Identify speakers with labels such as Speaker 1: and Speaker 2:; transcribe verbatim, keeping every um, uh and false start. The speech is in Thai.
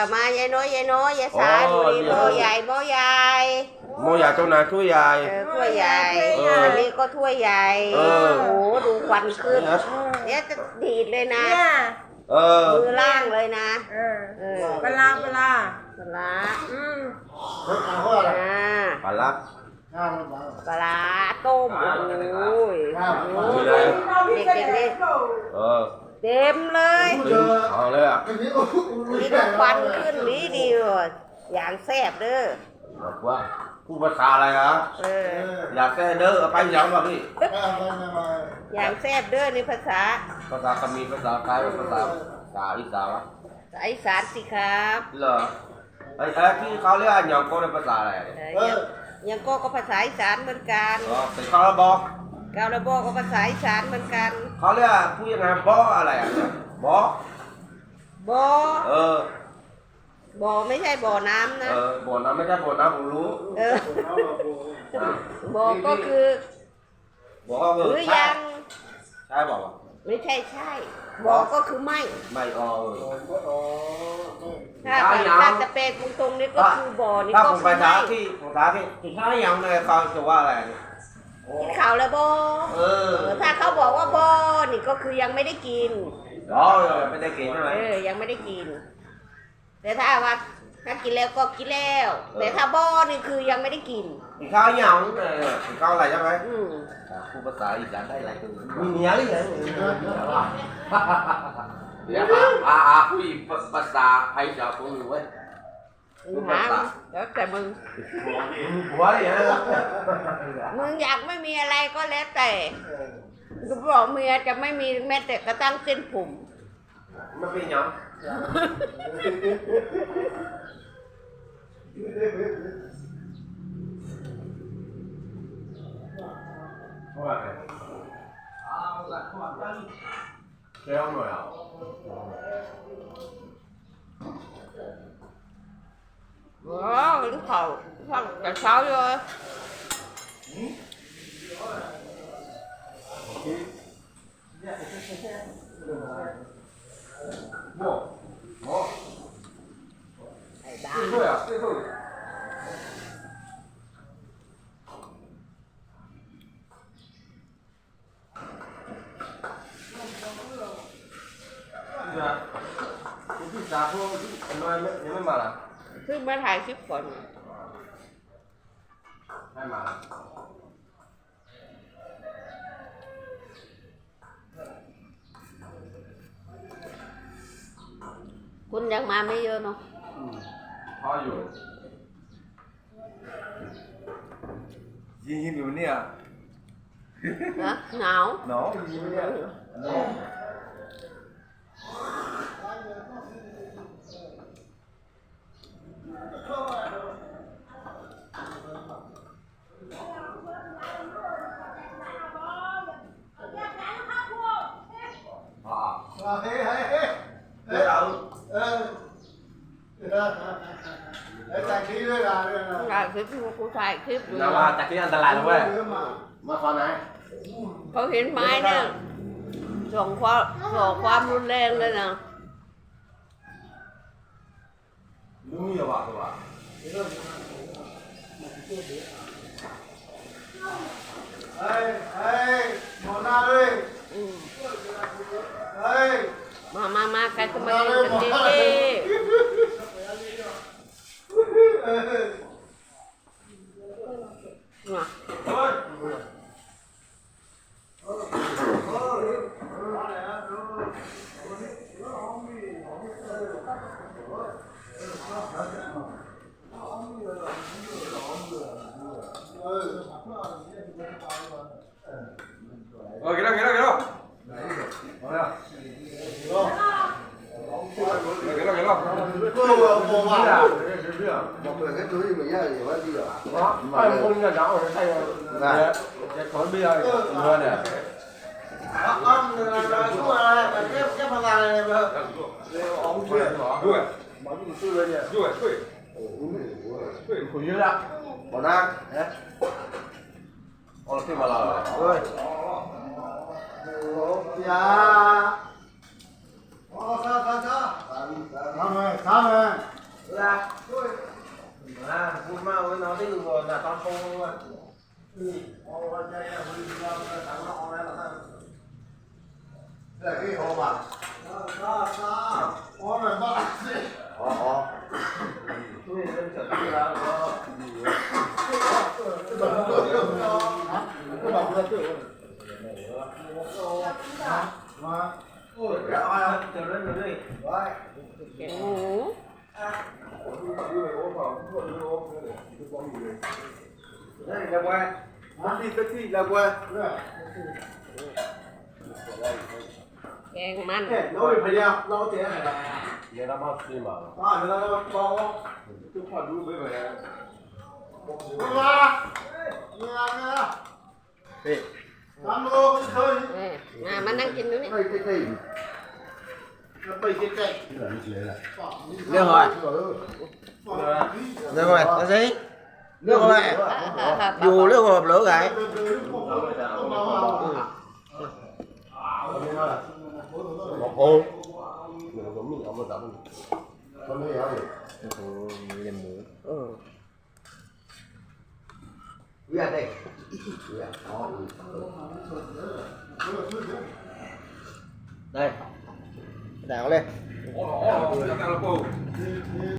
Speaker 1: มายายน้อยยายน้อยยายสาดูดิโบใหญ่โบใหญ่
Speaker 2: โมใหญ่เจ้านายถ้วยใหญ่
Speaker 1: ถ้วยใหญ่อันนี้ก็ถ้วยใหญ่โอ้โหดูควันขึ้นเนี่ยจะดีดเลยนะ
Speaker 2: เออ
Speaker 1: มือล่างเลยนะ
Speaker 3: เออเออปลาปลา
Speaker 1: ปลา
Speaker 3: อืม
Speaker 1: อ่า
Speaker 2: ปลาลับ
Speaker 1: ปลาต้มโอ้ยเด็กๆนี่
Speaker 2: เออ
Speaker 1: เต็มเลย
Speaker 2: เอาเลยอ่ะ
Speaker 1: นี่ก็ควันขึ้นนี้ดีเลยอย่างแซ่บเด้อ
Speaker 2: บอกว่าพูดภาษาอะไรครับอยากแซ่เด้อไปยังป่ะพี่
Speaker 1: อย่างแซ่บเด้อนี่ภาษา
Speaker 2: ภาษาคำมีภาษาไทยภาษาภาษาอีสานวะ
Speaker 1: ภาษาอีสานสิครับ
Speaker 2: เหรอไอ้ไอ้ที่เขาเรียกอันยองโก้ในภาษาอะไร
Speaker 1: ยังโก้ก็ภาษาอีสานเหมือนกัน
Speaker 2: อ๋อเป็นข้าวระบอก
Speaker 1: กาลบอกก็ภาษาอีสานเหมือนกัน
Speaker 2: เขาเรียกพูดยังไงบออะไรอ่ะบอบ
Speaker 1: อ
Speaker 2: เออ
Speaker 1: บ่อไม่ใช่บ่อน้ำนะ
Speaker 2: เออบ่อน้ำไม่ใช่บ่อน้ำผมรู้
Speaker 1: เออบ่อก็คือ
Speaker 2: บ่อก็คือ
Speaker 1: ใช่
Speaker 2: ใช่บอกว่า
Speaker 1: ไม่ใช่ใช่บ่อก็คือไม่
Speaker 2: ไม่อ๋อ
Speaker 1: ถ้าถ้าจะเป็นตรงๆนี่ก็คือบ่อนี่ก็คือไม่
Speaker 2: ถ้าผมไปท้าที่ผมท้าที่ที่ท้ายังเลยเขาจะว่าอะไร
Speaker 1: กินข่าวแล้วบ่เออถ้าเขาบอกว่าบ่นี่ก็คือยังไม่ได้กิน
Speaker 2: อ๋อไม่ได้กินใช่ไหม
Speaker 1: เออยังไม่ได้กินแต่ถ้าว่าถ้ากินแล้วก็กินแล้วแต่ถ้าบ่นี่คือยังไม่ได้กิน
Speaker 2: กินข้าวยังกินข้าวอะไรใช่ไหม
Speaker 1: อืม
Speaker 2: พูดภาษาอีสานได้หลายตัวมีเมียหรือยังเดี๋ยวอ่าอ่าคุยภาษาไทยจะพูดอยู่เว้ย
Speaker 1: หาแล้วแต่มึง
Speaker 2: หัวเลยนะ
Speaker 1: มึงอยากไม่มีอะไรก็แล้วแต่กูบอกเมียจะไม่มีแม้แต่กระทั่งเส้นผม
Speaker 2: ไม่เป็นยังว่าไงเอาละขวดกันเจ้าหน่อยอ่ะ
Speaker 1: ว้าวถึงเขาฟังแต่เช้าเลย
Speaker 2: โม่โม่
Speaker 1: ไอ้บ้า
Speaker 2: 对啊，最后。是啊，你去啥时候？你们没你们买了？
Speaker 1: คือมาถ่ายคลิปก่อน
Speaker 2: 太买了。
Speaker 1: คุณยังมาไม่เยอะเนาะ
Speaker 2: 他有。阴阴流เนี่ย
Speaker 1: ฮะหนาว
Speaker 2: หนาว阴เนี่ยหนาวอ่าเฮ้ยเฮ้ยเฮ้ยเฮ้ยเอาเออไอ้จากที่ด้วยล่ะด้วยนะ
Speaker 1: ถ่ายคลิปกูถ่ายคลิป
Speaker 2: นะว่าจากที่อันตรายนะเว้ยมาฟังไหน
Speaker 1: เขาเห็นไม้เนี่ยส่งความส่งความรุนแรงเลยนะ
Speaker 2: รู้อยู่ป่ะตัวเฮ้ยเฮ้ยหมอหน้าด้วยเฮ้ย
Speaker 1: มามามาใครจะมาเล่นกันดีมา
Speaker 2: เออกินแล้วกินแล้วกินแล้วเอาแล้วกินแล้วกินแล้ว
Speaker 4: ก็我我啊，我每个都是每样有问题啊。
Speaker 2: 啊，哎，我那家伙是太阳，也也考虑啊，你说呢？
Speaker 4: 啊啊，那个那个做啊，这这方面那个，熬不出来是吧？
Speaker 2: 对，
Speaker 4: 马上就收了呢。
Speaker 2: 对对，对，回去了。我呢？哎，我退吧了。对。
Speaker 4: 老家。好，好，好，好，他们他们。 Ủa rồi bác
Speaker 2: Ờ, ờ. Tôi nhìn lên trận kia là có... Cái bằng nó tự Cái bằng nó tự Ôi, cái ai chờ lên rồi đi. Đấy.
Speaker 1: Chén ngủ.
Speaker 2: Đây là qua. Mất đi tất gì là qua.
Speaker 1: Chén mặn.
Speaker 4: Nó bị phải ra, nó thế này.
Speaker 2: Giờ nó mất đi mà.
Speaker 4: À, nó nó bò.
Speaker 2: Tôi phải đuôi với vậy.
Speaker 4: Nghe. Nghe nghe.
Speaker 2: Đi.
Speaker 4: Ăn luôn cái thôi.
Speaker 1: Nè, mà mà đangกินอยู่นี่
Speaker 2: Đây, cái gì?
Speaker 4: Nó bị cái cây.
Speaker 2: Được rồi. Được rồi, nó gì? Nước rồi. Dù nước hộp lửa cái. Một ô. Mình cũng mình ông mà tập. Không thấy gì. Ồ, làm mũ. Ừ. Ra đây. Đây. Đảo lên.